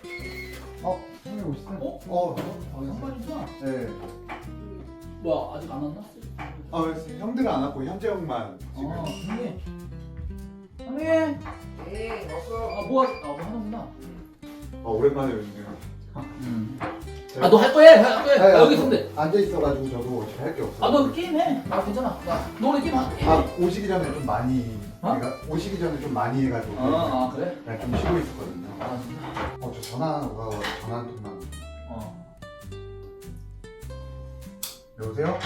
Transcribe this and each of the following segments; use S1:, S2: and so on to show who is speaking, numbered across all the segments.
S1: 형님 오시네.
S2: 상관이구나.
S1: 네.
S2: 뭐야 아직 안 왔나?
S1: 형들은 안 왔고 현재 형만 지금.
S2: 형님. 형님.
S3: 네, 왔어.
S2: 뭐 하는구나.
S1: 오랜만에 뵙네요.
S2: 너 할 거야? 할 거야?
S1: 네,
S2: 여기 있으면 돼.
S1: 앉아 있어가지고 저도 어차피 할 게 없어.
S2: 너 게임 해. 나 괜찮아. 너 원래 게임 해.
S1: 오시기 전에 좀 많이. 그러니까 오시기 전에 좀 많이 해가지고.
S2: 그래?
S1: 그냥 좀 쉬고 있었거든요.
S2: 진짜.
S1: 저 전화 오가 전화 한 통만. 여보세요?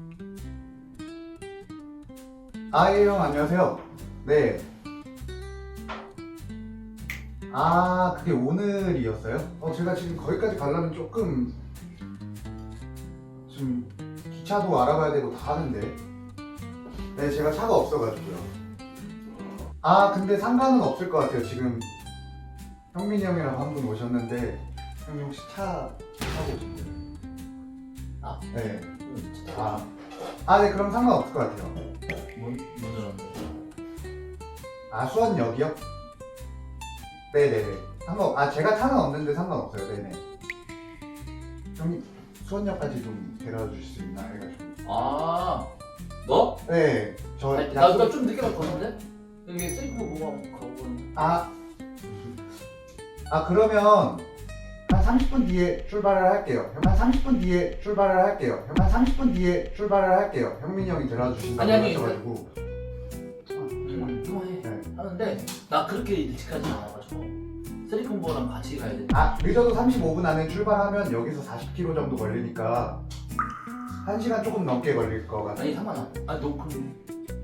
S1: 예, 형 안녕하세요. 네. 그게 오늘이었어요? 제가 지금 거기까지 가려면 조금 좀 기차도 알아봐야 되고 다 하는데. 네, 제가 차가 없어가지고요. 근데 상관은 없을 것 같아요. 지금 형민이 형이랑 한 분 오셨는데 형님 혹시 차 타고 오신 거예요? 네. 네, 그럼 상관없을 것 같아요.
S2: 뭔 줄
S1: 수원역이요? 네네네. 제가 차는 없는데 상관없어요. 네네. 형님, 수원역까지 좀 데려다 주실 수 있나 해가지고.
S2: 너?
S1: 네, 저
S2: 나 좀 늦게 갈 거는데? 여기 세이프 보고 가보고는.
S1: 그러면 한 30분 뒤에 출발을 할게요. 한 30분 뒤에 출발을 할게요. 한 30분 뒤에 출발을 할게요. 형민이 형이 데려다 주신다고
S2: 아니.
S1: 하셔가지고.
S2: 통화해.
S1: 네.
S2: 하는데 나 그렇게 일찍까지 안 와가지고 세리콤보랑 같이 가야 돼.
S1: 늦어도 35분 안에 출발하면 여기서 40km 정도 걸리니까 1시간 조금 넘게 걸릴 것 같아요.
S2: 아니 상관없어. 너 그럼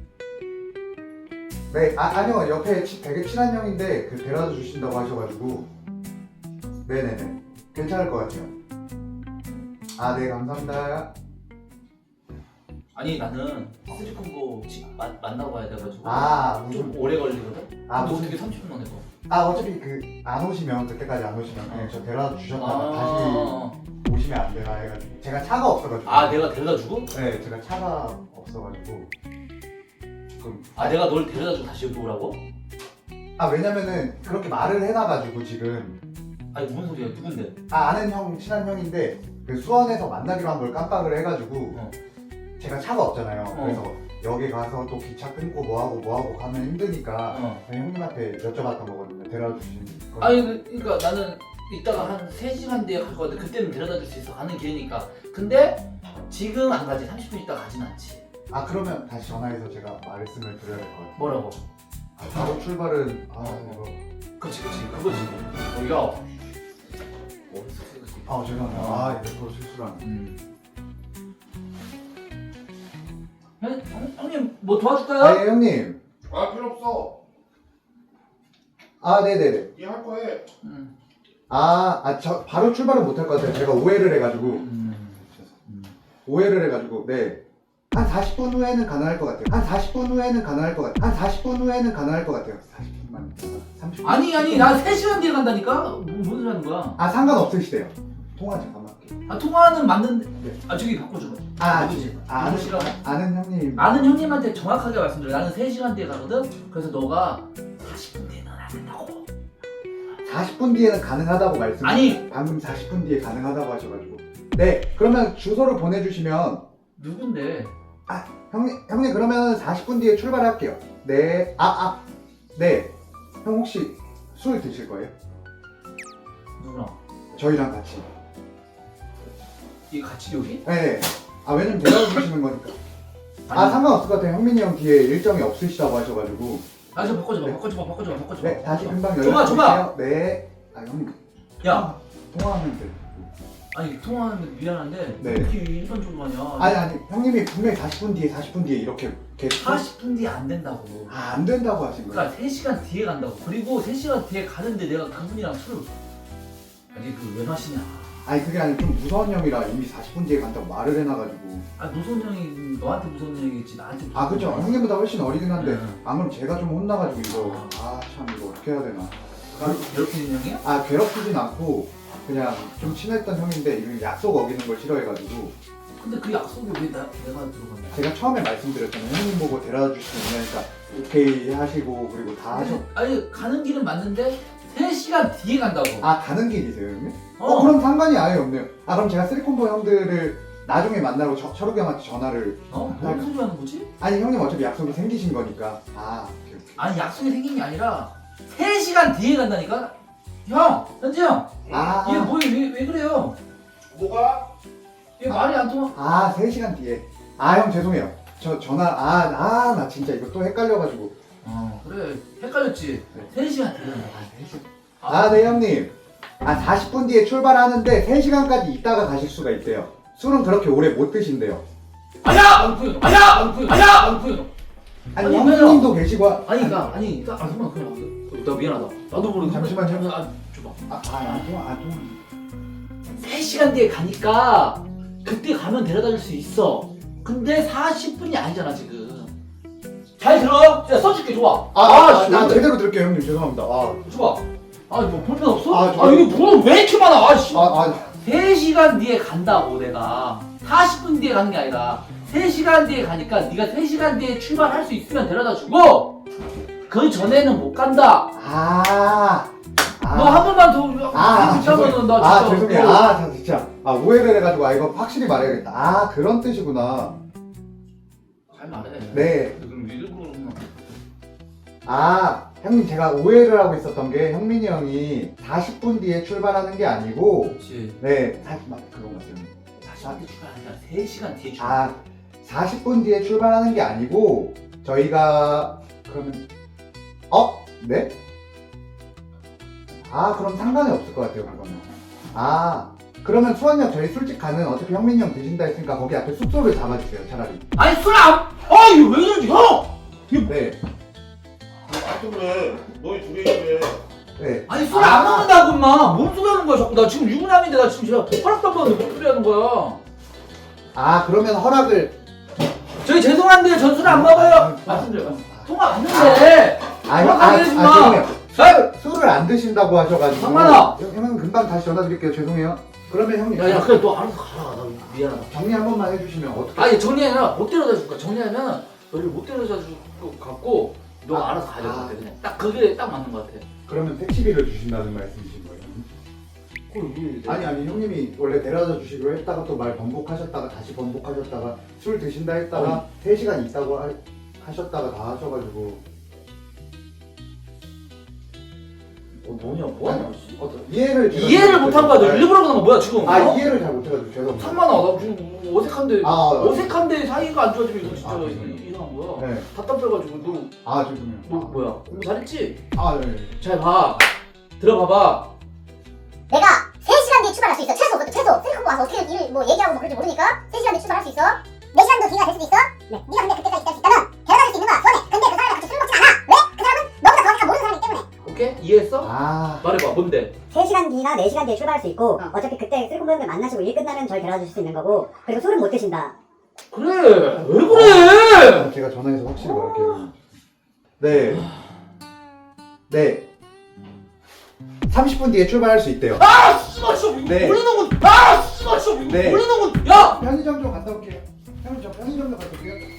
S1: 네, 아니요. 옆에 되게 친한 형인데 데려다 주신다고 하셔가지고. 네네네. 괜찮을 것 같아요. 네, 감사합니다.
S2: 아니 나는 세리콤보 만나고 가야 돼가지고 좀
S1: 무슨
S2: 오래 걸리거든. 너
S1: 무슨
S2: 어떻게 30분 만에 가?
S1: 어차피 안 오시면 그때까지 안 오시면 그냥 저 데려다 주셨다가 다시 오시면 안 되나 해가지고 제가 차가 없어가지고.
S2: 내가 데려다 주고?
S1: 네, 제가 차가 없어가지고 조금.
S2: 내가 널 데려다 주고 다시 여기 오라고?
S1: 왜냐면은 그렇게 말을 해놔가지고 지금.
S2: 아니 무슨 소리야? 누군데?
S1: 아는 형, 친한 형인데 그 수원에서 만나기로 한 걸 깜빡을 해가지고 제가 차가 없잖아요. 그래서 여기 가서 또 기차 끊고 뭐하고 가면 힘드니까 그냥 형님한테 여쭤봤던 거거든요. 데려다 주신 거.
S2: 그러니까 나는 이따가 한 3시간 뒤에 갈 거거든. 그때는 데려다 줄 수 있어. 가는 길이니까. 근데 지금 안 가지. 30분 있다 가진 않지.
S1: 그러면 다시 전화해서 제가 말씀을 드려야 될 것 같아요.
S2: 뭐라고?
S1: 바로 출발은 이거.
S2: 그치 그거지. 야
S1: 죄송합니다. 이거 또 실수랑.
S2: 형님 뭐 도와줄까요?
S1: 예, 형님.
S3: 필요 없어.
S1: 네네네.
S3: 이 할 거 해.
S1: 저 바로 출발은 못 할 것 같아요. 제가 오해를 해가지고. 네. 한 40분 후에는 가능할 것 같아요. 한 40분 후에는 가능할 것 같아요. 40분만. 30분.
S2: 아니 나 3시간 뒤에 간다니까? 뭔 소리 하는 거야?
S1: 상관없으시대요. 통화 잠깐만 할게요.
S2: 통화는 맞는데
S1: 네.
S2: 저기 바꿔줘.
S1: 누구지? 아는 형님.
S2: 아는 형님한테 정확하게 말씀드려. 나는 3시간 뒤에 가거든? 그래서 너가 40분 뒤에는 안 된다고.
S1: 40분 뒤에는 가능하다고 방금 40분 뒤에 가능하다고 하셔가지고. 네, 그러면 주소를 보내주시면.
S2: 누군데?
S1: 형님 그러면 40분 뒤에 출발할게요. 네. 네. 형 혹시 술 드실 거예요?
S2: 누구랑?
S1: 저희랑 같이.
S2: 이 같이 여기?
S1: 네. 왜냐면 데려다 주시는 거니까. 상관없을 것 같아요. 형민이 형 뒤에 일정이 없으시다고 하셔가지고.
S2: 좀 바꿔줘.
S1: 네, 다시 금방
S2: 줘봐.
S1: 연락드릴게요. 네. 형님.
S2: 야,
S1: 통화하면 돼.
S2: 통화하면 미안한데
S1: 네.
S2: 이렇게 일반적으로 하냐?
S1: 아니 형님이 분명히 40분 뒤에 이렇게 계속.
S2: 40분 뒤에 안 된다고.
S1: 안 된다고 하신 거예요?
S2: 그러니까 3시간 뒤에 간다고. 그리고 3시간 뒤에 가는데 내가 당분이랑 술을 왜 마시냐?
S1: 그게 아니라 좀 무서운 형이라 이미 40분 뒤에 간다고 말을 해놔가지고.
S2: 무서운 형이 너한테 무서운 형이겠지 나한테 무서운
S1: 그쵸.
S2: 형이지.
S1: 형님보다 훨씬 어리긴 한데.
S2: 네.
S1: 그럼 제가 좀 혼나가지고 이거. 참 이거 어떻게 해야 되나.
S2: 괴롭히는 형이야?
S1: 괴롭히진 않고 그냥 좀 친했던 형인데 이거 약속 어기는 걸 싫어해가지고.
S2: 근데 그 약속이 왜 내가 들어갔냐?
S1: 제가 처음에 말씀드렸잖아요. 형님 보고 데려다 주실 수 있냐니까 오케이 하시고 그리고 다 하셨.
S2: 가는 길은 맞는데 3시간 뒤에 간다고.
S1: 아 가는 길이세요 형님?
S2: 어.
S1: 그럼 상관이 아예 없네요. 아 그럼 제가 쓰리콤보 형들을 나중에 만나러 철욱이 형한테 전화를
S2: 뭔 소리 하는 거지?
S1: 아니 형님 어차피 약속이 생기신 거니까 오케이, 오케이.
S2: 아니 약속이 생긴 게 아니라 3시간 뒤에 간다니까? 형! 현지 형! 얘 뭐야 왜 그래요?
S3: 뭐가?
S2: 얘 말이 안 통하.
S1: 3시간 뒤에 형 죄송해요. 저 전화 나 진짜 이거 또 헷갈려가지고
S2: 그래 헷갈렸지?
S1: 네.
S2: 3시간 뒤에 간다.
S1: 3시간 네 형님 40분 뒤에 출발하는데 3시간까지 있다가 가실 수가 있대요. 술은 그렇게 오래 못 드신대요.
S2: 아니야! 아니야!
S1: 아니
S2: 아니,
S1: 형님도 계시고
S2: 잠깐만 그냥 나 미안하다. 나도 모르게
S1: 잠시만요.
S2: 줘봐.
S1: 통화
S2: 3시간 뒤에 가니까 그때 가면 데려다 줄 수 있어. 근데 40분이 아니잖아 지금. 잘 들어? 야 써줄게 좋아.
S1: 나 제대로 들을게요 형님 죄송합니다.
S2: 좋아. 뭐 볼펜 없어?
S1: 아,
S2: 이게 뭐 왜 이렇게 많아?
S1: 3시간
S2: 3시간 뒤에 간다고 내가. 40분 뒤에 가는 게 아니라 3시간 뒤에 가니까 네가 3시간 뒤에 출발할 수 있으면 데려다 주고 그 전에는 못 간다. 너 한 번만 더
S1: 죄송해요.
S2: 나 진짜
S1: 죄송해요. 진짜 오해를 해가지고 이거 확실히 말해야겠다. 그런 뜻이구나.
S2: 잘 말해.
S1: 네.
S2: 그럼 일부러
S1: 형님 제가 오해를 하고 있었던 게 형민이 형이 40분 뒤에 출발하는 게 아니고
S2: 그렇지.
S1: 네 그런 것 같아요.
S2: 40분 뒤에 출발 아니라 3시간 뒤에 출발.
S1: 40분 뒤에 출발하는 게 아니고 저희가 그러면 네? 그럼 상관이 없을 것 같아요 그거는. 그러면 수원역 저희 술집 가는 어차피 형민이 형 드신다 했으니까 거기 앞에 숙소를 잡아주세요 차라리.
S2: 아니 술 안! 이거 왜 그러지 형!
S1: 네.
S3: 왜? 너희 둘이 왜?
S1: 네.
S2: 아니 술 안 먹는다고 인마! 뭔 소리 하는 거야 자꾸. 나 지금 유부남인데 나 지금 제가 허락도 안 받는데 뭔 소리 하는 거야.
S1: 그러면 허락을
S2: 저희 죄송한데 전 술 안 먹어요. 말씀드려요. 통화 왔는데.
S1: 죄송해요. 술을 안 드신다고 하셔가지고.
S2: 상관아.
S1: 형님 금방 다시 전화 드릴게요. 죄송해요. 그러면 형님.
S2: 야 그래 너 알아서 가라. 나 미안하다.
S1: 정리 한 번만 해주시면 어떻게?
S2: 아니 정리 아니라 못 데려다 줄 거야. 정리하면 너를 못 데려다 줄 것 같고 너가 알아서 가야 될 것 같아. 그냥 딱 그게 딱 맞는 것 같아.
S1: 그러면 택시비를 주신다는 말씀이신 거예요? 아니 형님이 원래 데려다 주시기로 했다가 또 말 번복하셨다가 다시 번복하셨다가 술 드신다 했다가 3시간 있다고 하셨다가 다 하셔가지고.
S2: 뭐냐 뭐 하냐
S1: 이해를
S2: 못한 거야. 너 일부러 그런 거 뭐야 지금?
S1: 이해를 잘 못해가지고 죄송합니다.
S2: 상만아 나 지금 어색한데 어색한데 사이가 안 좋아지면 이거 진짜
S1: 죄송해요.
S2: 이상한 거야.
S1: 네.
S2: 답답해가지고
S1: 죄송해요.
S2: 너 뭐야 공부 잘했지?
S1: 네.
S2: 잘 봐. 들어봐봐.
S4: 내가 3시간 뒤에 출발할 수 있어. 최소 쓰리콤보 와서 어떻게 얘기하고 그럴지 모르니까 3시간 뒤에 출발할 수 있어. 4시간도 뒤가 될 수도 있어. 네가 근데 그때까지 있을 수 있다면 데려다 줄 수 있는 거야 수원에. 근데 그 사람이랑 같이 술 먹진 않아. 왜? 그 사람은 너보다 정확히 모르는 사람이기 때문에.
S2: 오케이? 이해했어? 말해봐 뭔데?
S5: 3시간 뒤나 4시간 뒤에 출발할 수 있고 어차피 그때 쓰리콤보 형들 만나시고 일 끝나면 저희 데려다 줄 수 있는 거고 그리고 술은 못 드신다.
S2: 그래 왜 그래?
S1: 제가 전화해서 확실히 말할게요. 네. 30분 뒤에 출발할 수 있대요.
S2: 씨발 씨
S1: 네.
S2: 몰리는 건 씨발 씨
S1: 네.
S2: 몰리는 건 야!
S1: 편의점 좀 갔다 올게요. 형님 저 편의점 좀 갔다 올게요.